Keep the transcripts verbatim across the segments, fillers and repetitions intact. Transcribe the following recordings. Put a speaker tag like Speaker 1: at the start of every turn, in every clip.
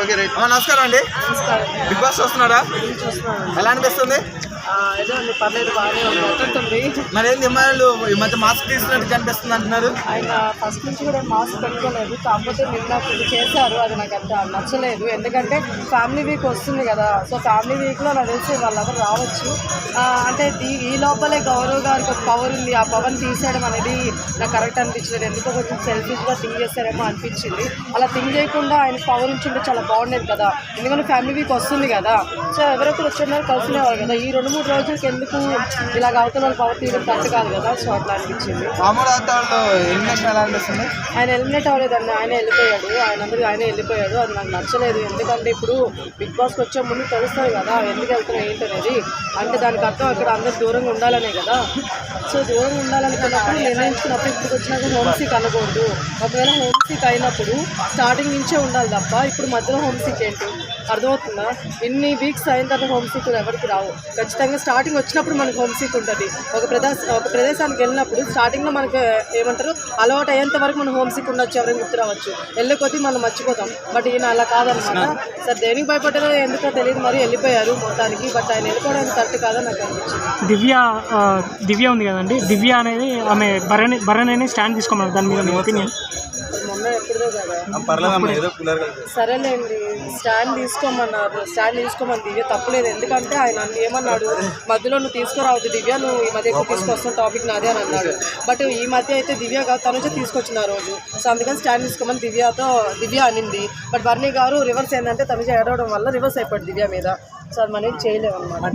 Speaker 1: Okay right అమ్మా నమస్కారం అండి. బిగ్ బాస్ చూస్తున్నారా? ఎలా అనిపిస్తుంది? మరి ఏంది అమ్మాయిలు ఈ మధ్య మాస్క్ తీసుకున్నట్టు కనిపిస్తుంది అంటున్నారు.
Speaker 2: ఆయన ఫస్ట్ నుంచి కూడా మాస్క్ పెట్టుకోలేదు, కాకపోతే నిన్న ఇది చేశారు, అది నాకు అంత నచ్చలేదు. ఎందుకంటే ఫ్యామిలీ వీక్ వస్తుంది కదా, సో ఫ్యామిలీ వీక్లో నాకు తెలిసి వాళ్ళందరూ రావచ్చు. అంటే ఈ లోపలే గౌరవ్ గారికి ఒక పవర్ ఉంది, ఆ పవర్ తీసేయడం అనేది నాకు కరెక్ట్ అనిపించలేదు. ఎందుకో కొంచెం సెల్ఫిష్గా థింక్ చేస్తారేమో అనిపించింది. అలా థింక్ చేయకుండా ఆయన పవర్ ఉంచుంటే చాలా బాగుండేది కదా, ఎందుకంటే ఫ్యామిలీ వీక్ వస్తుంది కదా, సో ఎవరైతే వచ్చినారో కలిసినేవారు కదా. ఈ రెండు మూడు రోజులకి ఎందుకు ఇలాగ అవుతున్న వాళ్ళు పవర్ తీయడం కరెక్ట్ కాదు కదా, సో అట్లా అనిపించింది. ఆయన ఎలిమినేట్ అవ్వలేదండి, ఆయన వెళ్ళిపోయాడు. ఆయన అందరూ ఆయన వెళ్ళిపోయాడు, అది నాకు నచ్చలేదు. ఎందుకంటే ఇప్పుడు బిగ్ బాస్కి వచ్చే ముందు తెలుస్తుంది కదా ఎందుకు వెళ్తున్నాయి ఏంటనేది. అంటే దానికి అర్థం అక్కడ అందరు దూరంగా ఉండాలనే కదా. సో దూరంగా ఉండాలనుకున్నప్పుడు నిర్ణయించుకున్నప్పుడు ఇప్పుడు వచ్చినాక హోమ్ సీక్ అనకూడదు. ఒకవేళ హోమ్ సీక్ అయినప్పుడు స్టార్టింగ్ నుంచే ఉండాలి తప్ప ఇప్పుడు మధ్యలో హోమ్ సీక్ ఏంటి, అర్థమవుతుందా? ఇన్ని వీక్స్ అయిన తర్వాత హోమ్ సీక్ ఎవరికి రావు. ఖచ్చితంగా స్టార్టింగ్ వచ్చినప్పుడు మనకు హోమ్ సీక్ ఉంటుంది. ఒక ప్రదేశ ఒక ప్రదేశానికి వెళ్ళినప్పుడు స్టార్టింగ్లో మనకు ఏమంటారు అలవాటు అయ్యేంత వరకు మనం హోమ్ సీక్ ఉండొచ్చు, ఎవరైనా గుర్తు రావచ్చు, వెళ్ళే కొద్దీ మనం మర్చిపోతాం. బట్ ఈయన అలా కాదనమాట. సార్ దేనికి భయపడ్డారో ఎందుకో తెలియదు, మరి వెళ్ళిపోయారు మొత్తానికి. బట్ ఆయన వెళ్ళిపోవడానికి కరెక్ట్ కాదని నాకు అనిపించింది.
Speaker 3: దివ్య దివ్య ఉంది కదండి, దివ్య అనేది ఆమె భరణి భరణి స్టాండ్ తీసుకోమన్నారు, దాని మీద మీ ఒపీనియన్?
Speaker 2: మొన్న ఎప్పుడుదో కదా, సరేలేండి స్టాండ్ తీసుకోమన్నారు, స్టాండ్ తీసుకోమని దివ్య తప్పలేదు. ఎందుకంటే ఆయన ఏమన్నాడు, మధ్యలో నువ్వు తీసుకురావద్దు దివ్య, నువ్వు ఈ మధ్య ఎక్కువ తీసుకొస్తున్న టాపిక్ నాదే అని అన్నాడు. బట్ ఈ మధ్య అయితే దివ్య తనుజ తీసుకొచ్చిన ఆ రోజు, సో అందుకని స్టాండ్ తీసుకోమని దివ్యతో దివ్య అనింది. బట్ వర్ణి గారు రివర్స్ ఏంటంటే తనుజ ఏడవడం వల్ల రివర్స్ అయిపోయింది దివ్య మీద. సో అది మనం చేయలేము అనమాట.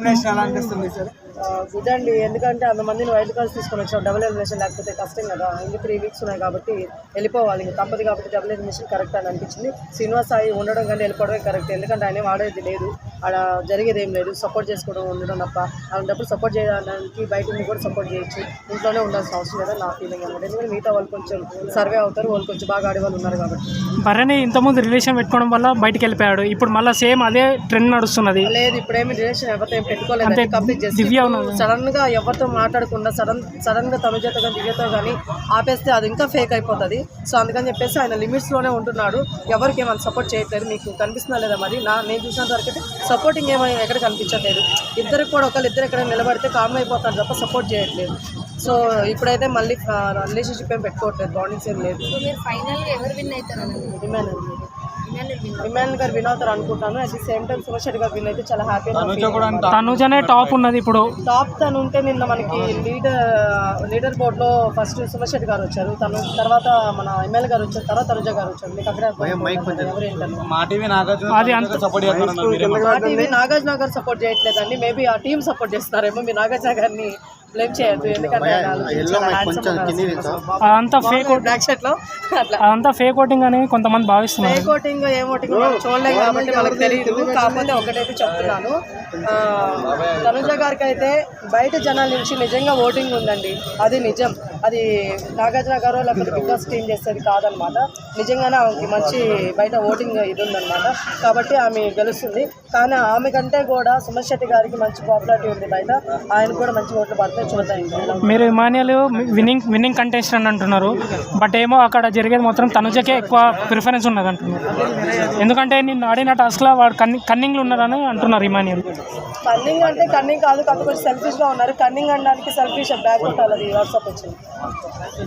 Speaker 3: మళ్ళీ
Speaker 2: గుడ్ అండి, ఎందుకంటే అంతమందిని వైల్డ్ కార్డ్స్ తీసుకొని వచ్చాం, డబుల్ ఎలిమినేషన్ లేకపోతే కష్టం కదా. ఇంకా త్రీ వీక్స్ ఉన్నాయి కాబట్టి వెళ్ళిపోవాలి, ఇంకా తప్పదు కాబట్టి డబుల్ ఎలిమినేషన్ కరెక్ట్ అని అనిపించింది. శ్రీనివాస్ సాయి ఉండడం కానీ వెళ్ళిపోవడమే కరెక్ట్, ఎందుకంటే ఆయన వాడేది లేదు, అక్కడ జరిగేది ఏం లేదు, సపోర్ట్ చేసుకోవడం ఉండడం తప్ప. అలాంటప్పుడు సపోర్ట్ చేయడానికి బయట ఉండి కూడా సపోర్ట్ చేయొచ్చు, ఇంట్లోనే ఉండాల్సిన అవసరం లేదా నా ఫీలింగ్ అనమాట. ఎందుకంటే మిగతా వాళ్ళు కొంచెం సర్వే అవుతారు, వాళ్ళు కొంచెం బాగా ఆడే వాళ్ళు ఉన్నారు కాబట్టి.
Speaker 3: భరణి ఇంతకుముందు రిలేషన్ పెట్టుకోవడం వల్ల బయటకు వెళ్ళిపోయాడు, ఇప్పుడు మళ్ళీ సేమ్ అదే ట్రెండ్ నడుస్తున్నది.
Speaker 2: లేదు ఇప్పుడేమి రిలేషన్ ఎవరితో ఏం పెట్టుకోలేదు, కంప్లీట్ చేసి సడన్ గా ఎవరితో మాట్లాడకుండా సడన్ సడన్ గా తనుజతో కానీ దివ్యతో కానీ ఆపేస్తే అది ఇంకా ఫేక్ అయిపోతుంది. సో అందుకని చెప్పేసి ఆయన లిమిట్స్ లోనే ఉంటున్నాడు, ఎవరికి ఏమైనా సపోర్ట్ చేయట్లేదు. మీకు కనిపిస్తున్నా లేదా మరి? నా నేను చూసినంత వరకు అయితే సపోర్టింగ్ ఏమైనా ఎక్కడ కనిపించట్లేదు. ఇద్దరికి కూడా ఒకళ్ళు ఇద్దరు ఎక్కడ నిలబడితే కామ్ అయిపోతారు తప్ప సపోర్ట్ చేయట్లేదు. సో ఇప్పుడైతే మళ్ళీ రిలేషన్షిప్ ఏం పెట్టుకోవట్లేదు, బాండింగ్స్ ఏం లేదు. ఇమాన్ గారు విన్ అవుతారు అనుకుంటాను. At the same time Suman Shetty garu win అయితే చాలా హ్యాపీ.
Speaker 3: తనుజనే టాప్ ఉన్నది ఇప్పుడు,
Speaker 2: టాప్ తను ఉంటే నిన్న మనకి లీడర్ లీడర్ బోర్డ్ లో ఫస్ట్ సుమన్ శెట్టి గారు వచ్చారు, తను తర్వాత మన ఎమ్మెల్యే గారు వచ్చారు, తర్వాత తనుజ గారు వచ్చారు. మీకు అక్కడ నాగార్జున గారు సపోర్ట్ చేయట్లేదండి, మేబీ ఆ టీం సపోర్ట్ చేస్తున్నారేమో. మీ నాగార్జున గారిని బ్లేమ్ చేయొద్దు, ఎందుకంటే
Speaker 3: అదంతా ఫేక్ అదంతా ఫేక్ ఓటింగ్ అని కొంతమంది భావిస్తున్నారు.
Speaker 2: ఫేక్ ఓటింగ్ ఏం ఓటింగ్ చూడలేం కాబట్టి మనకు తెలియదు. కాకపోతే ఒకటైతే చెప్తున్నాను, తనుజ గారికి అయితే బయట జనాల నుంచి నిజంగా ఓటింగ్ ఉందండి, అది నిజం. అది నాగార్జున గారు లేకపోతే బిగ్ బాస్ టీం చేసేది కాదనమాట. నిజంగానే ఆమెకి మంచి బయట ఓటింగ్ ఇది ఉందన్నమాట, కాబట్టి ఆమె గెలుస్తుంది. కానీ ఆమె కంటే కూడా సుమన్ శెట్టి గారికి మంచి పాపులారిటీ ఉంది బయట, ఆయన కూడా మంచి ఓట్లు పడతాయి, చూద్దాం.
Speaker 3: మీరు ఇమానియల్ విన్నింగ్ విన్నింగ్ కంటెస్టెంట్ అంటున్నారు, బట్ ఏమో అక్కడ జరిగేది మాత్రం తనుజకే ఎక్కువ ప్రిఫరెన్స్ ఉన్నది అంటున్నారు. ఎందుకంటే నేను ఆడిన టాస్క్లో వాడు కన్నింగ్ కన్నింగ్లు ఉన్నారని అంటున్నారు ఇమానియల్.
Speaker 2: కన్నింగ్ అంటే కన్నింగ్ కాదు, కాకపోతే సెల్ఫిష్గా ఉన్నారు. కన్నింగ్ అనడానికి సెల్ఫిష్ బ్యాక్ కొట్టాలి, అది వాట్సాప్ వచ్చింది.